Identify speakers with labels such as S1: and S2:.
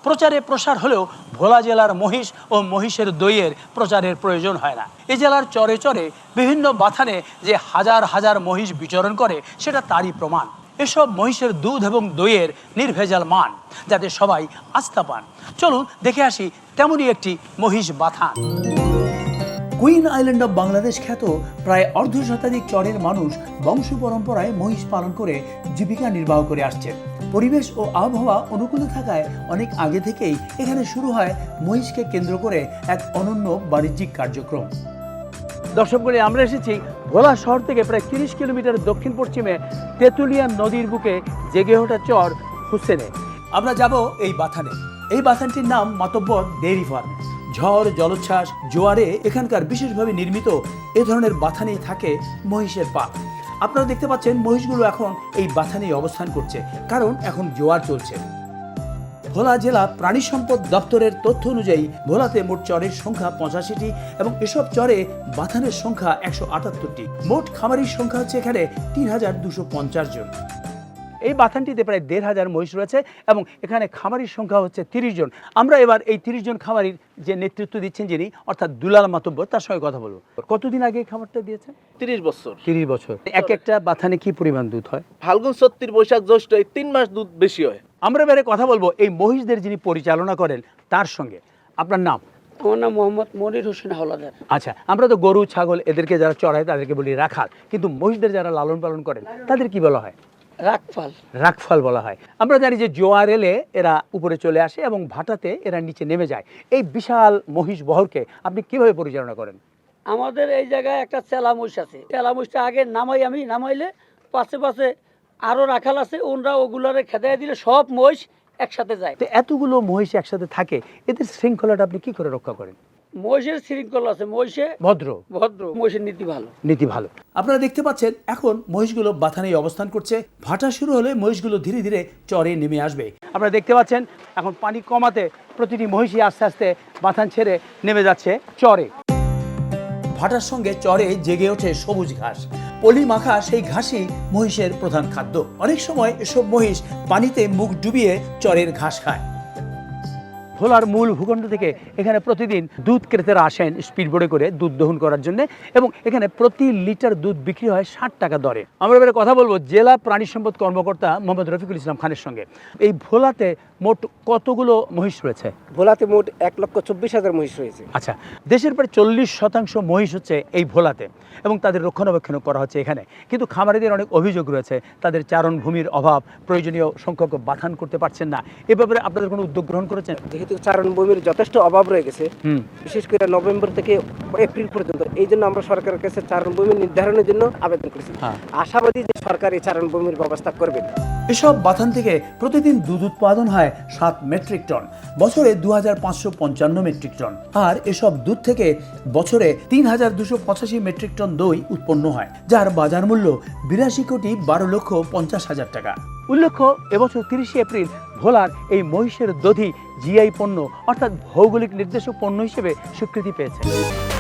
S1: প্রচারে প্রসার হলেও ভোলা জেলার মহিষ ও মহিষের দইয়ের প্রচারের প্রয়োজন হয় না। এই জেলার চরে চরে বিভিন্ন বাথানে যে হাজার হাজার মহিষ বিচরণ করে সেটা তারই প্রমাণ। এসব মহিষের দুধ এবং দইয়ের নির্ভেজাল মান, যাতে সবাই আস্থা পান। চলুন দেখে আসি তেমনই একটি মহিষ বাথান। কুইন আইল্যান্ড অব বাংলাদেশ খ্যাত প্রায় অর্ধ শতাধিক চরের মানুষ বংশ পরম্পরায় মহিষ পালন করে জীবিকা নির্বাহ করে আসছে। পরিবেশ ও আবহাওয়া অনুকূলে থাকায় অনেক আগে থেকেই এখানে শুরু হয় মহিষকে কেন্দ্র করে এক অনন্য বাণিজ্যিক কার্যক্রম। দর্শকগণ, আমরা এসেছি ভোলা শহর থেকে প্রায় 30 কিলোমিটার দক্ষিণ পশ্চিমে তেঁতুলিয়া নদীর বুকে জেগে ওঠা চর হুসেনে। আমরা যাব এই বাথানে। এই বাথানটির নাম মাতব্বর ডেইরি ফার্ম। ঝড়, জলোচ্ছ্বাস, জোয়ারে এখানকার বিশেষভাবে নির্মিত এ ধরনের বাথানেই থাকে মহিষের পা। আপনারা দেখতে পাচ্ছেন মহিষগুলো এখন এই বাথানেই অবস্থান করছে, কারণ এখন জোয়ার চলছে। ভোলা জেলা প্রাণী সম্পদ দপ্তরের তথ্য অনুযায়ী ভোলাতে মোট চরের সংখ্যা 85টি এবং এসব চরে বাথানের সংখ্যা 178টি। মোট খামারির সংখ্যা হচ্ছে এখানে 3250 জন। এই বাথানটিতে প্রায় 1500 মহিষ রয়েছে এবং এখানে খামারির সংখ্যা হচ্ছে 30 জন। আমরা এবার এই 30 জন খামারির যে নেতৃত্ব দিচ্ছেন যিনি, অর্থাৎ দুলাল মাতব্বর, তার সঙ্গে কথা বলবো। কতদিন আগে খামারটা দিয়েছেন?
S2: 30 বছর।
S1: 30 বছর। এক একটা বাথানে কি পরিমাণ দুধ হয়?
S2: ফাল্গুন, চৈত্র, বৈশাখ, জ্যৈষ্ঠ এই 3 মাস দুধ বেশি হয়।
S1: আমরা এবারে কথা বলবো এই মহিষদের যিনি পরিচালনা করেন তার সঙ্গে। আপনার নাম?
S3: আমার নাম মোহাম্মদ মনির হোসেন হাওলাদার।
S1: আচ্ছা, আমরা তো গরু, ছাগল এদেরকে যারা চড়ায় তাদেরকে বলি রাখাল, কিন্তু মহিষদের যারা লালন পালন করেন তাদের কি বলা হয়?
S3: রাখফাল।
S1: রাখফাল বলা হয়। আমরা জানি যে জোয়ার এলে এরা উপরে চলে আসে এবং ভাটাতে এরা নিচে নেমে যায়। এই বিশাল মহিষ বহরকে আপনি কিভাবে পরিচালনা করেন?
S3: আমাদের এই জায়গায় একটা চেলা মহিষ আছে। চেলা মহিষটা আগে নামাইলে পাশে পাশে আরো রাখাল আছে, ওনরা ওগুলারে খেদাই দিলে সব মহিষ একসাথে যায়।
S1: তো এতগুলো মহিষ একসাথে থাকে, এদের শৃঙ্খলাটা আপনি কি করে রক্ষা করেন?
S3: মহিষের শৃঙ্খলা আছে, মহিষে
S1: ভদ্র।
S3: মহিষের নীতি ভালো।
S1: নীতি ভালো। আপনারা দেখতে পাচ্ছেন এখন মহিষগুলো বাথানেই অবস্থান করছে। ভাটা শুরু হলে মহিষগুলো ধীরে ধীরে চরে নেমে আসবে। আপনারা দেখতে পাচ্ছেন এখন পানি কমাতে প্রতিটি মহিষই আস্তে আস্তে বাথান ছেড়ে নেমে যাচ্ছে চরে। ভাটার সঙ্গে চরে জেগে ওঠে সবুজ ঘাস। পলি মাখা সেই ঘাসই মহিষের প্রধান খাদ্য। অনেক সময় এসব মহিষ পানিতে মুখ ডুবিয়ে চরের ঘাস খায়। ভোলার মূল ভূখণ্ড থেকে এখানে প্রতিদিন দুধ ক্রেতারা আসেন স্পিডবোটে করে দুধ দহন করার জন্য এবং এখানে প্রতি লিটার দুধ বিক্রি হয় 60 টাকা দরে। আমরা এবারে কথা বলবো জেলা প্রাণী সম্পদ কর্মকর্তা মোহাম্মদ রফিকুল ইসলাম খানের সঙ্গে। এই ভোলাতে মোট কতগুলো মহিষ রয়েছে?
S4: ভোলাতে মোট 1,24,000 মহিষ রয়েছে।
S1: আচ্ছা, দেশের প্রায় 40% মহিষ হচ্ছে এই ভোলাতে এবং তাদের রক্ষণাবেক্ষণ করা হচ্ছে এখানে। কিন্তু খামারিদের অনেক অভিযোগ রয়েছে, তাদের চারণ ভূমির অভাব, প্রয়োজনীয় সংখ্যক বাথান করতে পারছেন না। এ ব্যাপারে আপনাদের কোনো উদ্যোগ গ্রহণ করেছেন?
S4: যেহেতু চারণ ভূমির যথেষ্ট অভাব রয়ে গেছে, বিশেষ করে নভেম্বর থেকে এপ্রিল পর্যন্ত, এই জন্য আমরা সরকারের কাছে চারণ ভূমি নির্ধারণের জন্য আবেদন করেছি। আশাবাদী যে সরকার এই চারণ ভূমির ব্যবস্থা করবেন।
S1: এসব বাথান থেকে প্রতিদিন দুধ উৎপাদন হয় 7 মেট্রিক টন, বছরে 2555 মেট্রিক টন। আর এসব দুধ থেকে বছরে 3285 মেট্রিক টন দই উৎপন্ন হয়, যার বাজার মূল্য 82,12,50,000 টাকা। উল্লেখ্য, এবছর 30 এপ্রিল ভোলার এই মহিষের দধি জিআই পণ্য অর্থাৎ ভৌগোলিক নির্দেশক পণ্য হিসেবে স্বীকৃতি পেয়েছে।